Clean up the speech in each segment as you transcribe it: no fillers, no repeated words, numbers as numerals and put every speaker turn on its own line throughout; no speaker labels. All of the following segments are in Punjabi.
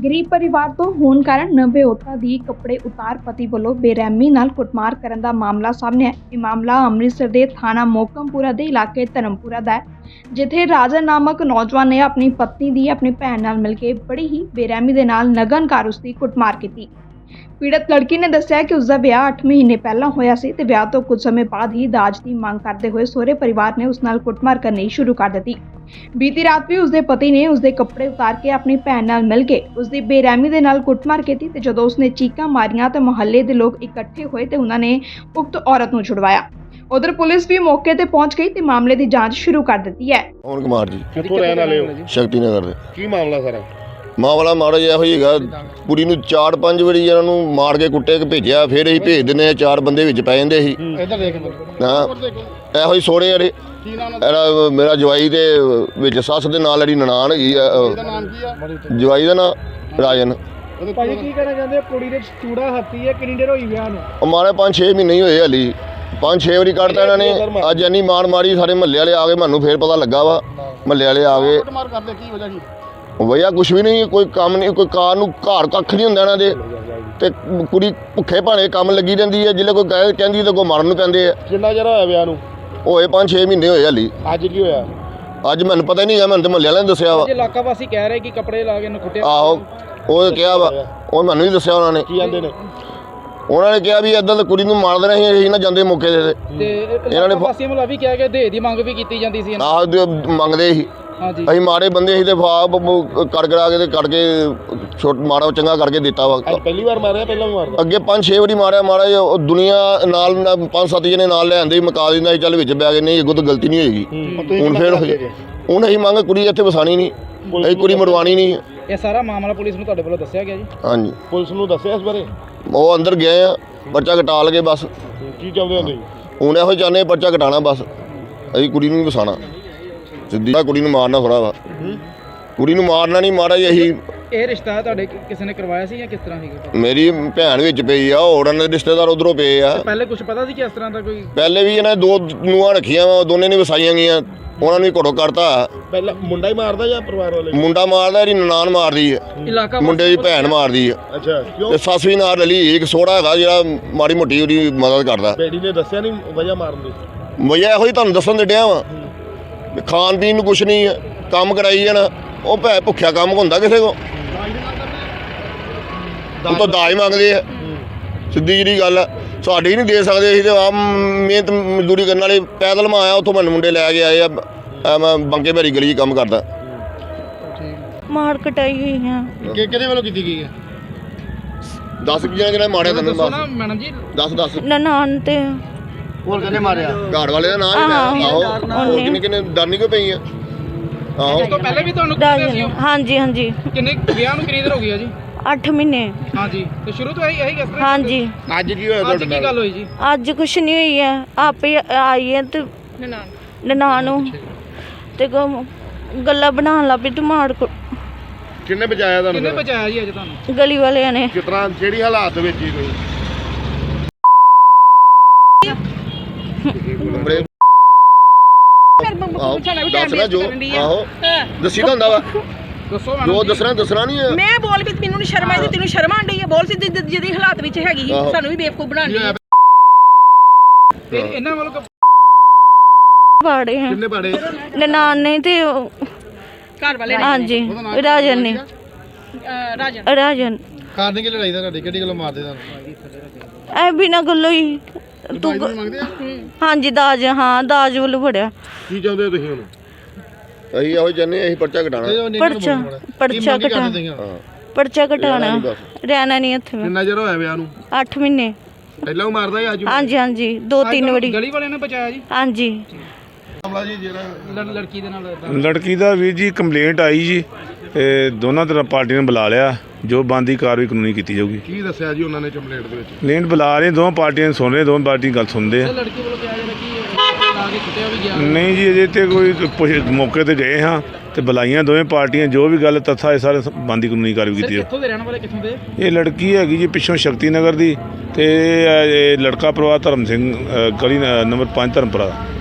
ਗਰੀਬ ਪਰਿਵਾਰ ਤੋਂ ਹੋਣ ਕਾਰਨ ਨਵੇਂ ਔਰਤਾਂ ਦੀ ਕੱਪੜੇ ਉਤਾਰ ਪਤੀ ਵੱਲੋਂ ਬੇਰਹਿਮੀ ਨਾਲ ਕੁੱਟਮਾਰ ਕਰਨ ਦਾ ਮਾਮਲਾ ਸਾਹਮਣੇ ਆਇਆ। ਇਹ ਮਾਮਲਾ ਅੰਮ੍ਰਿਤਸਰ ਦੇ ਥਾਣਾ ਮੋਕਮਪੁਰਾ ਦੇ ਇਲਾਕੇ ਧਰਮਪੁਰਾ ਦਾ ਹੈ, ਜਿੱਥੇ ਰਾਜਨ ਨਾਮਕ ਨੌਜਵਾਨ ਨੇ ਆਪਣੀ ਪਤਨੀ ਦੀ ਆਪਣੀ ਭੈਣ ਨਾਲ ਮਿਲ ਕੇ ਬੜੀ ਹੀ ਬੇਰਹਿਮੀ ਦੇ ਨਾਲ ਨਗਨਕਾਰ ਉਸ ਦੀ ਕੁੱਟਮਾਰ ਕੀਤੀ। ਪੀੜਤ ਲੜਕੀ ਨੇ ਦੱਸਿਆ ਕਿ ਉਸ ਦਾ ਵਿਆਹ 8 ਮਹੀਨੇ ਪਹਿਲਾਂ ਹੋਇਆ ਸੀ ਤੇ ਵਿਆਹ ਤੋਂ ਕੁਝ ਸਮੇਂ ਬਾਅਦ ਹੀ ਦਾਜ ਦੀ ਮੰਗ ਕਰਦੇ ਹੋਏ ਸਹੁਰੇ ਪਰਿਵਾਰ ਨੇ ਉਸ ਨਾਲ ਕੁੱਟਮਾਰ ਕਰਨੀ ਸ਼ੁਰੂ ਕਰ ਦਿੱਤੀ। ਬੀਤੀ ਰਾਤ ਵੀ ਉਸ ਦੇ ਪਤੀ ਨੇ ਉਸ ਦੇ ਕੱਪੜੇ ਉਤਾਰ ਕੇ ਆਪਣੀ ਭੈਣ ਨਾਲ ਮਿਲ ਕੇ ਉਸ ਦੀ ਬੇਰਹਿਮੀ ਦੇ ਨਾਲ ਕੁੱਟਮਾਰ ਕੀਤੀ ਤੇ ਜਦੋਂ ਉਸਨੇ ਚੀਕਾਂ ਮਾਰੀਆਂ ਤਾਂ ਮੁਹੱਲੇ ਦੇ ਲੋਕ ਇਕੱਠੇ ਹੋਏ ਤੇ ਉਹਨਾਂ ਨੇ ਉਕਤ ਔਰਤ ਨੂੰ ਛੁਡਵਾਇਆ। ਉਧਰ ਪੁਲਿਸ ਵੀ ਮੌਕੇ ਤੇ ਪਹੁੰਚ ਗਈ ਤੇ ਮਾਮਲੇ ਦੀ ਜਾਂਚ ਸ਼ੁਰੂ ਕਰ ਦਿੱਤੀ ਹੈ।
ਪਵਨ ਕੁਮਾਰ ਜੀ,
ਕਿੱਥੋਂ ਰਹਿਣ ਵਾਲੇ ਹੋ?
ਸ਼ਕਤੀ ਨਗਰ ਦੇ।
ਕੀ ਮਾਮਲਾ ਸਾਰਾ?
ਮਾਮਲਾ ਮਾੜਾ ਜਿਹਾ ਹੋਈ ਹੈਗਾ, ਕੁੜੀ ਨੂੰ 4-5 ਵਾਰੀ ਇਹਨਾਂ ਨੂੰ ਮਾਰ ਕੇ ਕੁੱਟੇ ਕੇ ਭੇਜਿਆ, ਫਿਰ ਅਸੀਂ ਭੇਜ ਦਿੰਦੇ ਆ, 4 ਬੰਦੇ ਵਿੱਚ ਪੈ ਜਾਂਦੇ ਸੀ।
ਇੱਧਰ ਦੇਖ
ਹਾਂ, ਇਹੋ ਹੀ ਸੋਹਣੇ ਵਾਲੇ
ਕੀ ਨਾਮ
ਇਹਦਾ ਮੇਰਾ ਜਵਾਈ ਦੇ ਵਿੱਚ ਸੱਸ ਦੇ ਨਾਲ ਜਿਹੜੀ ਨਨਾਣ ਹੈਗੀ ਆ,
ਇਹਦਾ ਨਾਮ ਕੀ ਆ?
ਜਵਾਈ ਦਾ ਨਾਂ ਰਾਜਨ।
ਭਾਜੀ ਕੀ ਕਹਿਣਾ ਚਾਹੁੰਦੇ ਹੋ? ਕੁੜੀ ਦੇ ਚੂੜਾ ਹੱਥੀ ਹੈ, ਕਿੰਨੀ ਦੇਰ ਹੋਈ ਵਿਆਹ ਨੂੰ?
ਉਹ ਮਾਰੇ 5-6 ਮਹੀਨੇ ਹੀ ਹੋਏ ਹਲੀ, 5-6 ਵਾਰੀ ਕੱਢਤਾ ਇਹਨਾਂ ਨੇ। ਅੱਜ ਇੰਨੀ ਮਾਰ ਮਾਰੀ, ਸਾਰੇ ਮਹੱਲੇ ਵਾਲੇ ਆ ਗਏ, ਮੈਨੂੰ ਫਿਰ ਪਤਾ ਲੱਗਾ ਵਾ, ਮਹੱਲੇ ਵਾਲੇ ਆ ਗਏ।
ਮਾਰ ਕਰਦੇ ਕੀ ਵਜ੍ਹਾ ਕੀ?
ਵਈਆ ਕੁਛ ਵੀ ਨਹੀਂ, ਕੋਈ ਕੰਮ ਨਹੀਂ, ਕੋਈ ਕਾਰ ਨੂੰ ਘਰ ਕੱਖ ਨਹੀਂ ਹੁੰਦਾ ਇਹਨਾਂ ਦੇ, ਤੇ ਕੁੜੀ ਭੁੱਖੇ ਭਾਣੇ ਕੰਮ ਲੱਗੀ ਰਹਿੰਦੀ ਹੈ। ਜਿੱਲੇ ਕੋਈ ਕਹਿੰਦੀ ਤਾਂ ਕੋਈ ਮਾਰਨ ਨੂੰ ਪੈਂਦੇ ਆ।
ਕਿੰਨਾ ਚਿਰ ਹੋਇਆ ਵਿਆਹ ਨੂੰ?
ਹੋਏ 5-6 ਮਹੀਨੇ ਹੋਏ ਹਲੀ।
ਅੱਜ ਕੀ ਹੋਇਆ?
ਅੱਜ ਮੈਨੂੰ ਪਤਾ ਹੀ ਨਹੀਂ ਹੈ, ਮੈਨੂੰ ਤਾਂ ਮਹੱਲੇ ਵਾਲਿਆਂ ਨੇ ਦੱਸਿਆ ਵਾ।
ਇਲਾਕਾ ਵਾਸੀ ਕਹਿ ਰਹੇ ਕਿ ਕੱਪੜੇ ਲਾ ਕੇ ਕੁੱਟਿਆ।
ਆਹੋ, ਉਹ ਕਿਹਾ ਵਾ, ਉਹ ਮੈਨੂੰ ਹੀ ਦੱਸਿਆ ਉਹਨਾਂ ਨੇ।
ਕੀ ਆਂਦੇ ਨੇ?
ਉਹਨਾਂ ਨੇ ਕਿਹਾ ਵੀ ਇੱਦਾਂ ਤਾਂ ਕੁੜੀ ਨੂੰ ਮਾਰ ਦੇਣਾ ਸੀ, ਅਸੀਂ ਨਾ ਜਾਂਦੇ ਮੌਕੇ ਤੇ।
ਤੇ ਇਹਨਾਂ ਨੇ ਵਾਸੀਆਂ ਵੱਲੋਂ ਵੀ ਕਿਹਾ ਕਿ ਦੇ ਦੀ ਮੰਗ ਵੀ ਕੀਤੀ ਜਾਂਦੀ ਸੀ।
ਆਹ ਮੰਗਦੇ ਸੀ,
ਹਾਂਜੀ,
ਅਸੀਂ ਮਾੜੇ ਬੰਦੇ ਸੀ ਤੇ ਕੜ ਕਰਾ ਕੇ ਤੇ ਕੱਢ ਕੇ ਛੋਟ ਮਾੜਾ ਚੰਗਾ ਕਰਕੇ ਦਿੱਤਾ ਵਾ।
ਅੱਜ ਪਹਿਲੀ ਵਾਰ ਮਾਰਿਆ? ਪਹਿਲਾਂ ਵੀ ਮਾਰਦਾ?
ਅੱਗੇ 5-6 ਵਾਰੀ ਮਾਰਿਆ ਮਾੜਾ ਜਿਹਾ। ਉਹ ਦੁਨੀਆ ਨਾਲ 5-7 ਜਣੇ ਨਾਲ ਲੈ ਆਂਦੇ, ਮੁਕਾ ਦਿੰਦਾ ਸੀ, ਚੱਲ ਵਿੱਚ ਬੈ ਗਏ, ਨਹੀਂ ਅੱਗੋਂ ਤਾਂ ਗਲਤੀ ਨਹੀਂ ਹੋਏਗੀ। ਹੁਣ ਫਿਰ ਹੁਣ ਅਸੀਂ ਮੰਗ ਕੁੜੀ ਇੱਥੇ ਵਸਾਣੀ ਨਹੀਂ, ਅਸੀਂ ਕੁੜੀ ਮਰਵਾਣੀ ਨਹੀਂ।
ਇਹ ਸਾਰਾ ਮਾਮਲਾ ਪੁਲਿਸ ਨੂੰ ਤੁਹਾਡੇ ਵੱਲੋਂ ਦੱਸਿਆ ਗਿਆ ਜੀ?
ਹਾਂਜੀ,
ਪੁਲਿਸ ਨੂੰ ਦੱਸਿਆ ਇਸ ਬਾਰੇ?
ਉਹ ਅੰਦਰ ਗਏ ਆ, ਪਰਚਾ ਕਟਾ ਲਗੇ ਬਸ।
ਕੀ ਚਾਹੁੰਦੇ ਹੋ ਤੁਸੀਂ?
ਹੁਣ ਇਹੋ ਚਾਹੁੰਦੇ ਪਰਚਾ ਕਟਾਣਾ ਬਸ, ਅਸੀਂ ਕੁੜੀ ਨੂੰ ਨਹੀਂ ਵਸਾਣਾ। ਸਿੱਧੀ ਕੁੜੀ ਨੂੰ ਮਾਰਨਾ ਥੋੜਾ ਵਾ, ਕੁੜੀ ਨੂੰ ਮਾਰਨਾ ਨਹੀਂ, ਮਾਰਾ ਜੀ। ਅਸੀਂ
ਇਹ ਰਿਸ਼ਤਾ ਤੁਹਾਡੇ ਕਿਸੇ ਨੇ ਕਰਵਾਇਆ ਸੀ ਜਾਂ ਕਿਸ ਤਰ੍ਹਾਂ ਸੀਗਾ?
ਮੇਰੀ ਭੈਣ ਵਿੱਚ ਪਈ ਆ, ਹੋਰ ਇਹਨਾਂ ਦੇ ਰਿਸ਼ਤੇਦਾਰ ਉਧਰੋਂ ਪਏ ਆ।
ਪਹਿਲੇ ਕੁਝ ਪਤਾ ਸੀ ਕਿ ਇਸ ਤਰ੍ਹਾਂ ਦਾ ਕੋਈ?
ਪਹਿਲੇ ਵੀ ਇਹਨਾਂ 2 ਨੂੰਹਾਂ ਰੱਖੀਆਂ ਵਾ, ਦੋਨੇ ਨੇ ਵਸਾਈਆਂ ਗਈਆਂ, ਉਹਨਾਂ ਨੂੰ ਵੀ ਘੜੋ ਕਰਤਾ।
ਪਹਿਲਾਂ ਮੁੰਡਾ ਹੀ ਮਾਰਦਾ ਜਾਂ ਪਰਿਵਾਰ ਵਾਲੇ?
ਮੁੰਡਾ ਮਾਰਦਾ, ਇਹਦੀ ਨਨਾਣ ਮਾਰਦੀ ਹੈ,
ਇਲਾਕਾ
ਮੁੰਡੇ ਦੀ ਭੈਣ ਮਾਰਦੀ ਹੈ,
ਅੱਛਾ, ਕਿਉਂ?
ਤੇ ਸੱਸ ਵੀ ਨਾਲ ਰਲੀ। ਇੱਕ ਸੋਹਰਾ ਹੈਗਾ ਜਿਹੜਾ ਮਾੜੀ ਮੋਟੀ ਉਹਦੀ ਮਦਦ ਕਰਦਾ।
ਬੇਟੀ ਨੇ ਦੱਸਿਆ ਨਹੀਂ ਵਜ੍ਹਾ ਮਾਰਨ ਦੀ?
ਵਜ੍ਹਾ ਇਹੋ ਹੀ ਤੁਹਾਨੂੰ ਦੱਸਣ ਦੇ ਡਿਆ ਵਾ, ਖਾਣ ਪੀਣ ਨੂੰ ਕੁਛ ਨਹੀਂ ਹੈ, ਕੰਮ ਕਰਾਈ ਜਾਣਾ। ਉਹ ਭੈ ਭੁੱਖਿਆ ਕੰਮ ਹੁੰਦਾ ਕਿਸੇ ਕੋ, ਉਹ ਤਾਂ ਦਾਜ ਮੰਗਦੇ ਆ। ਸਿੱਧੀ ਜਿਹੜੀ ਗੱਲ ਆ, ਸਾਡੇ ਹੀ ਨਹੀਂ ਦੇ ਸਕਦੇ। ਅਸੀਂ ਤਾਂ ਆਪ ਮਿਹਨਤ ਮਜ਼ਦੂਰੀ ਕਰਨ ਵਾਲੇ, ਪੈਦਲ ਮੈਂ ਆਇਆ, ਉੱਥੋਂ ਮੈਨੂੰ ਮੁੰਡੇ ਲੈ ਕੇ ਆਏ ਆ। ਮੈਂ ਬੰਕੇ ਭੈਰੀ ਗਲੀ 'ਚ ਕੰਮ ਕਰਦਾ।
ਮਾਰ ਕਟਾਈ ਹੋਈ ਹੈ।
ਕਿਹਦੇ ਵੱਲੋਂ ਕੀਤੀ ਗਈ ਹੈ?
10 ਜਿਹੜਾ ਮਾਰਿਆ ਤੈਨੂੰ?
ਦੱਸੋ ਨਾ ਮੈਡਮ ਜੀ।
10
ਨਨਾਣ ਤੇ
ਹੋਰ ਕਹਿੰਦੇ ਮਾਰਿਆ?
ਘਰ ਵਾਲੇ ਦਾ ਨਾਂ ਹੀ ਲੈ। ਆਹੋ, ਕਿੰਨੇ ਡਰ ਨਹੀਂ ਕਿਉਂ ਪਈ ਆ? ਆਹੋ,
ਇਸ ਤੋਂ ਪਹਿਲੇ ਵੀ ਤੁਹਾਨੂੰ ਕੁੱਟਿਆ ਸੀ?
ਹਾਂਜੀ ਹਾਂਜੀ।
ਕਿੰਨੇ ਵਿਆਹ ਨੂੰ ਕਿੰਨੀ ਦੇਰ ਹੋ ਗਈ ਆ ਜੀ?
8 ਮਹੀਨੇ।
ਹਾਂਜੀ, ਤੇ ਸ਼ੁਰੂ ਤੋਂ ਇਹੀ ਕਿਸ ਤਰ੍ਹਾਂ?
ਹਾਂਜੀ।
ਅੱਜ ਕੀ ਹੋਇਆ
ਅੱਜ
ਤੁਹਾਡੇ
ਕੀ
ਨਾਲ?
ਗੱਲ ਹੋਈ ਜੀ?
ਅੱਜ ਕੁਛ ਨਹੀਂ ਹੋਈ ਹੈ, ਆਪੇ ਆਈ ਹੈ ਤੇ ਨਨਾਣ ਨੂੰ ਤੇ ਗੱਲਾਂ ਬਣਾਉਣ ਲੱਗ ਪਈ ਤੇ ਮਾਰ
ਕਿੰਨੇ ਬਚਾਇਆ
ਕਿੰਨੇ
ਤੁਹਾਨੂੰ?
ਬਚਾਇਆ ਜੀ ਅੱਜ ਤੁਹਾਨੂੰ?
ਗਲੀ ਵਾਲਿਆਂ ਨੇ।
ਕਿਸ ਤਰ੍ਹਾਂ, ਜਿਹੜੀ ਹਾਲਾਤ ਵਿੱਚ ਹੀ ਕੋਈ?
ਬੜੇ ਆਹੋ, ਦੱਸਣਾ ਜੋ। ਆਹੋ, ਦੱਸੀ ਤਾਂ ਹੁੰਦਾ ਵਾ,
ਦੱਸੋ
ਜੋ ਦੱਸਣਾ ਨਹੀਂ ਹੈ।
ਮੈਂ ਬੋਲ ਵੀ ਮੈਨੂੰ ਨੀ ਸ਼ਰਮ ਆਈ, ਤੈਨੂੰ ਸ਼ਰਮ ਆਂਦੀ ਹੈ? ਬੋਲ ਸੀ ਜਿਹਦੀ ਹਾਲਾਤ ਵਿੱਚ ਹੈਗੀ ਸੀ,
ਆਹੋ।
ਸਾਨੂੰ ਵੀ ਬੇਵਕੂਫ ਬਣਾਉਣੀ ਹੈ।
ਤੇ ਇਹਨਾਂ ਵੱਲੋਂ
ਪਾੜੇ ਹੈ
ਕਿੰਨੇ ਪਾੜੇ?
ਨਨਾਣ ਨੇ ਤੇ
ਘਰ ਵਾਲੇ
ਹਾਂਜੀ ਰਾਜਨ ਨੇ। ਰਾਜਨ
ਕਾਰਨ ਕੀ ਲੜਾਈ ਦਾ ਤੁਹਾਡੀ? ਕਿਹੜੀ ਗੱਲੋਂ ਮਾਰਦੇ ਤੁਹਾਨੂੰ?
ਐ ਬਿਨਾਂ ਗੱਲੋਂ ਹੀ ਤੂੰ
ਮੰਗਦੇ ਆ?
ਹਾਂਜੀ ਦਾਜ, ਹਾਂ ਦਾਜ ਵੱਲੋਂ ਫੜਿਆ।
ਕੀ ਚਾਹੁੰਦੇ ਹੋ ਤੁਸੀਂ ਹੁਣ?
ਅਸੀਂ ਇਹੋ ਚਾਹੁੰਦੇ, ਅਸੀਂ ਪਰਚਾ ਕਟਾਣਾ।
ਪਰਚਾ ਕਟਾਣਾ,
ਹਾਂ,
ਪਰਚਾ ਕਟਾਣਾ, ਰਹਿਣਾ ਨਹੀਂ ਇੱਥੇ।
ਕਿੰਨਾ ਚਿਰ ਹੋਇਆ ਵਿਆਹ ਨੂੰ?
8 ਮਹੀਨੇ।
ਪਹਿਲਾਂ ਉਹ ਮਾਰਦਾ ਜਾਂ ਅੱਜ?
ਹਾਂਜੀ ਹਾਂਜੀ, 2-3 ਵਾਰੀ।
ਗਲੀ ਵਾਲਿਆਂ ਨੇ ਬਚਾਇਆ ਜੀ?
ਹਾਂਜੀ।
ਮਾਮਲਾ ਜੀ ਜਿਹੜਾ
ਲੜਕੀ ਦੇ ਨਾਲ
ਲੜਕੀ ਦਾ ਵੀਰ ਜੀ ਕੰਪਲੇਂਟ ਆਈ ਜੀ, ਤੇ ਦੋਨਾਂ ਤਰ੍ਹਾਂ ਪਾਰਟੀ ਨੇ ਬੁਲਾ ਲਿਆ, ਜੋ ਬਣਦੀ ਕਾਰਵਾਈ ਕਾਨੂੰਨੀ ਕੀਤੀ ਜਾਊਗੀ।
ਕੀ ਦੱਸਿਆ ਜੀ ਉਹਨਾਂ ਨੇ ਕੰਪਲੇਂਟ ਦੇ ਵਿੱਚ?
ਕੰਪਲੇਂਟ ਬੁਲਾ ਰਹੇ, ਦੋਵਾਂ ਪਾਰਟੀਆਂ ਸੁਣ ਰਹੇ, ਦੋਵਾਂ ਪਾਰਟੀ ਗੱਲ ਸੁਣਦੇ ਆ।
ਲੜਕੀ ਵੱਲੋਂ ਕਿਹਾ ਜਾਂਦਾ ਕਿ ਲਾ ਕੇ ਕੁੱਟਿਆ ਵੀ ਗਿਆ?
ਨਹੀਂ ਜੀ, ਅਜੇ ਤੇ ਕੋਈ ਮੌਕੇ ਤੇ ਗਏ ਹਾਂ ਤੇ ਬੁਲਾਈਆਂ ਦੋਵੇਂ ਪਾਰਟੀਆਂ, ਜੋ ਵੀ ਗੱਲ ਤੱਥਾ ਇਹ ਸਾਰੇ ਬਣਦੀ ਕਾਨੂੰਨੀ ਕਾਰਵਾਈ ਕੀਤੀ
ਕਿੱਥੋਂ ਦੇ ਰਹਿਣ ਵਾਲੇ, ਕਿੱਥੋਂ ਦੇ?
ਇਹ ਲੜਕੀ ਹੈਗੀ ਜੀ ਪਿੱਛੋਂ ਸ਼ਕਤੀ ਨਗਰ ਦੀ, ਤੇ ਇਹ ਲੜਕਾ ਪਰਿਵਾਰ ਧਰਮ ਸਿੰਘ ਗਲੀ ਨੰਬਰ 5 ਧਰਮਪੁਰਾ।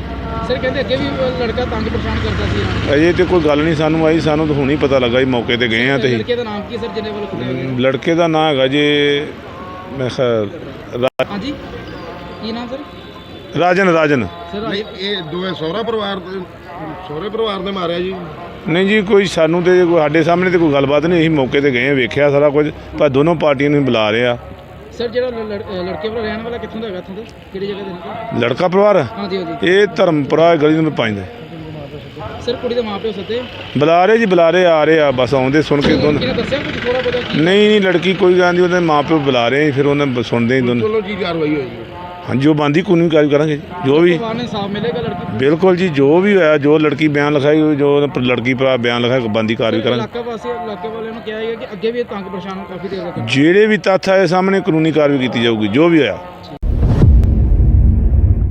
ਸਰ ਕਹਿੰਦੇ ਅੱਗੇ ਵੀ ਲੜਕਾ ਤੰਗ ਪਰੇਸ਼ਾਨ ਕਰਦਾ ਸੀ ਇਹਨਾਂ ਨੂੰ।
ਅਜੇ ਤੇ ਕੋਈ ਗੱਲ ਨਹੀਂ ਸਾਨੂੰ ਆਈ, ਸਾਨੂੰ ਤਾਂ ਹੁਣੀ ਪਤਾ ਲੱਗਾ ਜੀ, ਮੌਕੇ ਤੇ ਗਏ ਆ ਤੇ
ਲੜਕੇ ਦਾ ਨਾਮ ਕੀ ਹੈ ਸਰ ਜਿਹਨੇ ਵੱਲੋਂ ਕੁੱਟਿਆ ਗਿਆ?
ਲੜਕੇ ਦਾ ਨਾਂ ਹੈਗਾ ਜੀ ਮੈਂ ਖਿਆਲ
ਹਾਂਜੀ ਕੀ ਨਾਮ ਸਰ?
ਰਾਜਨ।
ਸਰ
ਇਹ ਦੋਵੇਂ ਸਹੁਰੇ ਪਰਿਵਾਰ ਦੇ ਮਾਰਿਆ ਜੀ।
ਨਹੀਂ ਜੀ ਕੋਈ ਸਾਨੂੰ ਤੇ ਕੋਈ ਸਾਡੇ ਸਾਹਮਣੇ ਤੇ ਕੋਈ ਗੱਲਬਾਤ ਨਹੀਂ, ਅਸੀਂ ਮੌਕੇ ਤੇ ਗਏ ਆ, ਵੇਖਿਆ ਸਾਰਾ ਕੁਝ, ਪਰ ਦੋਨੋਂ ਪਾਰਟੀਆਂ ਨੂੰ ਬੁਲਾ ਰਹੇ ਆ।
ਸਰ ਜਿਹੜਾ ਲੜਕੇ ਵਾਲਾ ਰਹਿਣ ਵਾਲਾ ਕਿੱਥੋਂ ਦਾ ਹੈਗਾ, ਇੱਥੋਂ ਦਾ ਕਿਹੜੀ ਜਗ੍ਹਾ ਦੇ ਨੇ?
ਲੜਕਾ ਪਰਿਵਾਰ
ਹਾਂਜੀ ਹਾਂਜੀ।
ਇਹ ਧਰਮਪੁਰਾ ਗਲੀ ਨੰਬਰ 5 ਦਾ।
ਸਰ ਕੁੜੀ ਦੇ ਮਾਪਿਓ ਸੱਦੇ
ਬੁਲਾ ਰਹੇ ਆ ਰਹੇ ਆ, ਬਸ ਆਉਂਦੇ ਸੁਣ ਕੇ ਦੋਨੋਂ।
ਕਿਹਨੇ ਦੱਸਿਆ ਕੁਝ ਥੋੜਾ ਬਹੁਤਾ ਕੀ?
ਨਹੀਂ ਲੜਕੀ ਕੋਈ ਗੱਲ ਨਹੀਂ, ਉਹਦੇ ਮਾਪਿਓ ਬੁਲਾ ਰਹੇ ਫਿਰ ਉਹਨਾਂ ਸੁਣਦੇ ਹੀ ਦੋਨੋਂ।
ਚਲੋ ਜੀ ਕਾਰਵਾਈ ਹੋਈ ਜੀ।
ਹਾਂਜੀ ਉਹ ਬੰਦੀ ਕਾਨੂੰਨੀ ਕਾਰਵਾਈ ਕਰਾਂਗੇ ਜੋ ਵੀ।
ਪਰਿਵਾਰ ਨੇ ਇਨਸਾਫ ਮਿਲੇਗਾ ਲੜਕੀ ਨੂੰ?
ਬਿਲਕੁਲ ਜੀ, ਜੋ ਵੀ ਹੋਇਆ, ਜੋ ਲੜਕੀ ਬਿਆਨ ਲਿਖਾਈ, ਜੋ ਲੜਕੀ ਭਰਾ ਬਿਆਨ ਲਿਖਾਇਆ, ਬੰਦੀ ਕਾਰਵਾਈ ਕਰਾਂਗੇ।
ਇਲਾਕੇ ਵਾਲਿਆਂ ਨੂੰ ਕਿਹਾ ਹੈ ਕਿ ਅੱਗੇ ਵੀ ਇਹ ਤੰਗ ਪਰੇਸ਼ਾਨ ਕਾਫੀ ਦੇਰ ਤੱਕ।
ਜਿਹੜੇ ਵੀ ਤੱਥ ਆਏ ਸਾਹਮਣੇ ਕਾਨੂੰਨੀ ਕਾਰਵਾਈ ਕੀਤੀ ਜਾਊਗੀ ਜੋ ਵੀ ਹੋਇਆ।